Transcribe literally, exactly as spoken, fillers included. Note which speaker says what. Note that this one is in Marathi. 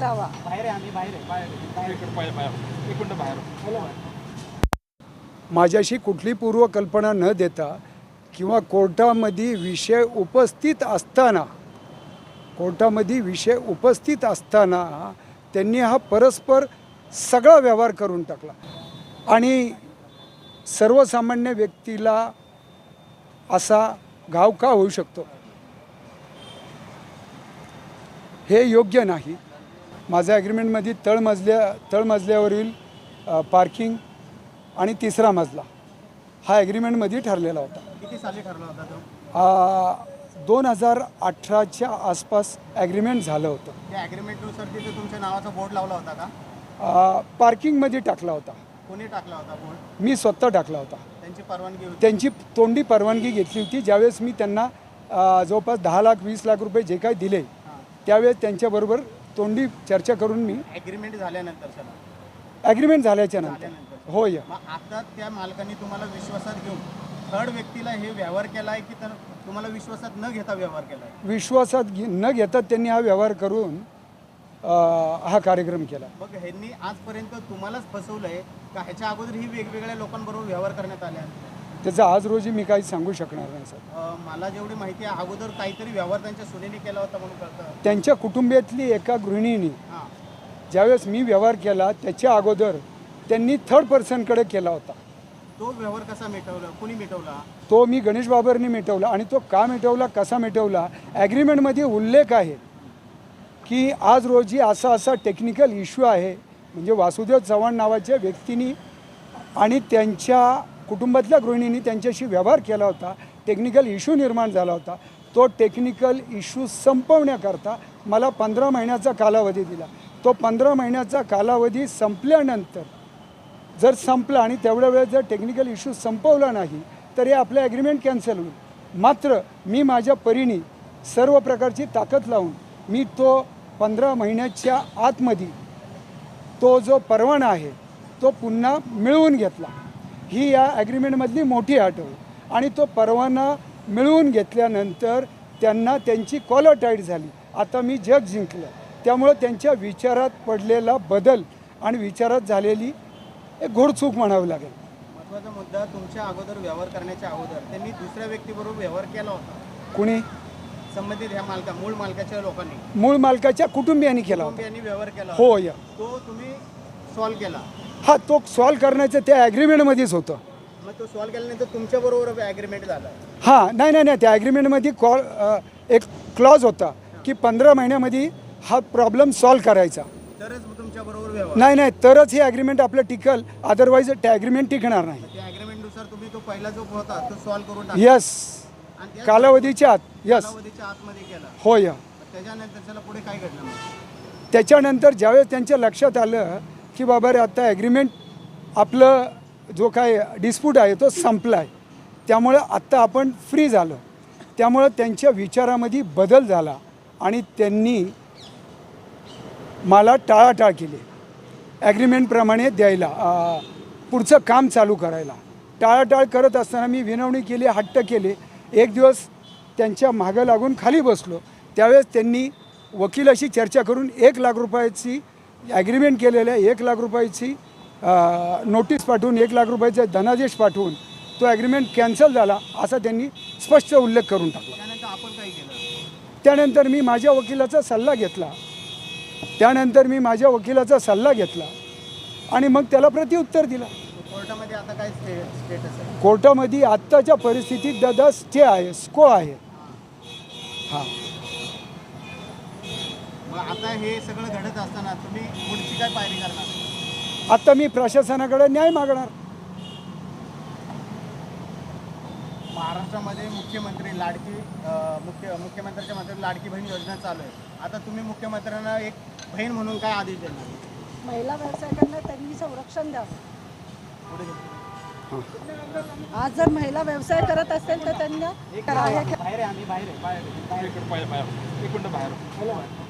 Speaker 1: करावा.
Speaker 2: बाहेर आहे, आम्ही बाहेर आहे, बाहेर आहे, बाहेर इकडे बाहेर बाहेर एक मिनिट बाहेर.
Speaker 3: माझ्याशी कुठली पूर्वकल्पना न देता किंवा कोर्टामध्ये विषय उपस्थित असताना कोर्टामध्ये विषय उपस्थित असताना त्यांनी हा परस्पर सगळा व्यवहार करून टाकला आणि सर्वसामान्य व्यक्तीला असा घाव का होऊ शकतो हे योग्य नाही. माझ्या ॲग्रीमेंटमध्ये तळमजल्या तळमजल्यावरील पार्किंग आणि तिसरा मजला हा ॲग्रीमेंटमध्ये ठरलेला होता.
Speaker 2: किती साली ठरला होता तो?
Speaker 3: दोन हजार अठराच्या आसपास ॲग्रीमेंट झालं होतं.
Speaker 2: त्या ॲग्रीमेंटनुसार तिथे तुमच्या नावाचा बोर्ड लावला होता का?
Speaker 3: पार्किंगमध्ये टाकला होता.
Speaker 2: कोणी टाकला होता बोर्ड?
Speaker 3: मी स्वतः टाकला होता.
Speaker 2: त्यांची परवानगी होती?
Speaker 3: त्यांची तोंडी परवानगी घेतली होती. ज्यावेळेस मी त्यांना जवळपास दहा लाख वीस लाख रुपये जे काही दिले त्यावेळेस त्यांच्याबरोबर तोंडी चर्चा करून मी
Speaker 2: ॲग्रीमेंट झाल्यानंतर सर
Speaker 3: ॲग्रीमेंट झाल्याच्या नंतर होय.
Speaker 2: आता त्या मालकांनी तुम्हाला विश्वासात घेऊन थर्ड व्यक्तीला हे व्यवहार केला आहे की तर तुम्हाला विश्वासात न घेता व्यवहार केला आहे?
Speaker 3: विश्वासात घे न घेता त्यांनी हा व्यवहार करून हा कार्यक्रम केला.
Speaker 2: मग ह्यांनी आजपर्यंत तुम्हालाच फसवलं आहे का ह्याच्या अगोदर ही वेगवेगळ्या लोकांबरोबर व्यवहार करण्यात आल्या?
Speaker 3: त्याचं आज रोजी मी काही सांगू शकणार नाही सर.
Speaker 2: मला जेवढी माहिती आहे अगोदर काहीतरी व्यवहार त्यांच्या सुनेने केला होता म्हणून कळतं.
Speaker 3: त्यांच्या कुटुंबियातली एका गृहिणीने
Speaker 2: हां
Speaker 3: ज्यावेळेस मी व्यवहार केला त्याच्या अगोदर त्यांनी थर्ड पर्सनकडे केला होता.
Speaker 2: तो व्यवहार कसा मिटवला? कुणी मिटवला?
Speaker 3: तो मी गणेश बाबरनी मिटवला. आणि तो का मिटवला कसा मिटवला ॲग्रीमेंटमध्ये उल्लेख आहे की आज रोजी असा असा टेक्निकल इश्यू आहे म्हणजे वासुदेव चव्हाण नावाच्या व्यक्तीने आणि त्यांच्या कुटुंबातल्या गृहिणींनी त्यांच्याशी व्यवहार केला होता. टेक्निकल इश्यू निर्माण झाला होता. तो टेक्निकल इश्यू संपवण्याकरता मला पंधरा महिन्याचा कालावधी दिला. तो पंधरा महिन्याचा कालावधी संपल्यानंतर जर संपला आणि तेवढ्या वेळेस जर टेक्निकल इश्यू संपवला नाही तर हे आपलं ॲग्रीमेंट कॅन्सल होईल. मात्र मी माझ्या परीने सर्व प्रकारची ताकद लावून मी तो पंधरा महिन्याच्या आतमध्ये तो जो परवाना आहे तो पुन्हा मिळवून घेतला. ही या ॲग्रीमेंटमधली मोठी अट होती. आणि तो परवाना मिळवून घेतल्यानंतर त्यांना त्यांची कॉलर टाईट झाली. आता मी जग जिंकलं. त्यामुळं त्यांच्या विचारात पडलेला बदल आणि विचारात झालेली एक घोडचूक म्हणावी लागेल.
Speaker 2: महत्त्वाचा मुद्दा, तुमच्या अगोदर व्यवहार करण्याच्या अगोदर त्यांनी दुसऱ्या व्यक्तीबरोबर व्यवहार केला होता.
Speaker 3: कुणी?
Speaker 2: संबंधित ह्या मालका मूळ मालकाच्या लोकांनी
Speaker 3: मूळ मालकाच्या कुटुंबियांनी केला होता.
Speaker 2: कुटुंबियांनी व्यवहार केला
Speaker 3: हो या
Speaker 2: तो तुम्ही सॉल्व केला?
Speaker 3: हा तो सॉल्व करण्याचं त्या ॲग्रीमेंटमध्येच होतं.
Speaker 2: मग तो सॉल्व केल्यानंतर तुमच्याबरोबर ॲग्रीमेंट झाला?
Speaker 3: हां नाही नाही नाही त्या ॲग्रीमेंटमध्ये कॉल एक क्लॉज होता की पंधरा महिन्यामध्ये हा प्रॉब्लेम सॉल्व करायचा.
Speaker 2: तरच तुमच्याबरोबर व्यवहार?
Speaker 3: नाही नाही तरच हे ॲग्रीमेंट आपलं टिकल. अदरवाईज त्या ॲग्रीमेंट टिकणार नाही.
Speaker 2: त्या ॲग्रीमेंटनुसार तुम्ही तो पहिला जो होता तो सॉल्व करून
Speaker 3: यस कालावधीच्या आत. यस
Speaker 2: कालावधीच्या आतमध्ये केला?
Speaker 3: हो या.
Speaker 2: त्याच्यानंतर त्याला पुढे काय घडलं मग?
Speaker 3: त्याच्यानंतर ज्यावेळेस त्यांच्या लक्षात आलं की बाबा रे आता ॲग्रीमेंट आपलं जो काय डिस्प्यूट आहे तो संपला आहे त्यामुळं आत्ता आपण फ्री झालं. त्यामुळं त्यांच्या विचारामध्ये बदल झाला आणि त्यांनी मला टाळाटाळ केली ॲग्रीमेंटप्रमाणे द्यायला पुढचं काम चालू करायला. टाळाटाळ करत असताना मी विनवणी केली, हट्ट केले. एक दिवस त्यांच्या मागं लागून खाली बसलो. त्यावेळेस त्यांनी वकिलाशी चर्चा करून एक लाख रुपयाची ॲग्रीमेंट केलेल्या एक लाख रुपयाची नोटीस पाठवून एक लाख रुपयाचा धनादेश पाठवून तो ॲग्रीमेंट कॅन्सल झाला असा त्यांनी स्पष्ट उल्लेख करून टाकला.
Speaker 2: त्यानंतर आपण काय केलं?
Speaker 3: त्यानंतर मी माझ्या वकिलाचा सल्ला घेतला त्यानंतर मी माझ्या वकिलाचा सल्ला घेतला आणि मग त्याला प्रत्युत्तर दिला.
Speaker 2: कोर्टामध्ये आता काय स्टेटस आहे?
Speaker 3: कोर्टामध्ये आत्ताच्या परिस्थितीत दादा स्टे आहे, स्को आहे. हां
Speaker 2: मग आता हे सगळं घडत असताना तुम्ही पुढची काय पायरी करणार?
Speaker 3: आता मी प्रशासनाकडे न्याय मागणार.
Speaker 2: महाराष्ट्रामध्ये मुख्यमंत्री लाडकी मुख्य मुख्यमंत्र्यांच्या माध्यमातून लाडकी बहीण योजना चालू आहे. आता तुम्ही मुख्यमंत्र्यांना एक बहीण म्हणून काय आदेश देणार?
Speaker 1: महिला व्यावसायिकांना त्यांनी संरक्षण द्यावं. आज जर महिला व्यवसाय करत असेल तर त्यांना
Speaker 2: बाहेर आहे, आम्ही बाहेर आहे, बाहेर आहे, बाहेर इकडे बाहेर बाहेर एक मिनिट बाहेर.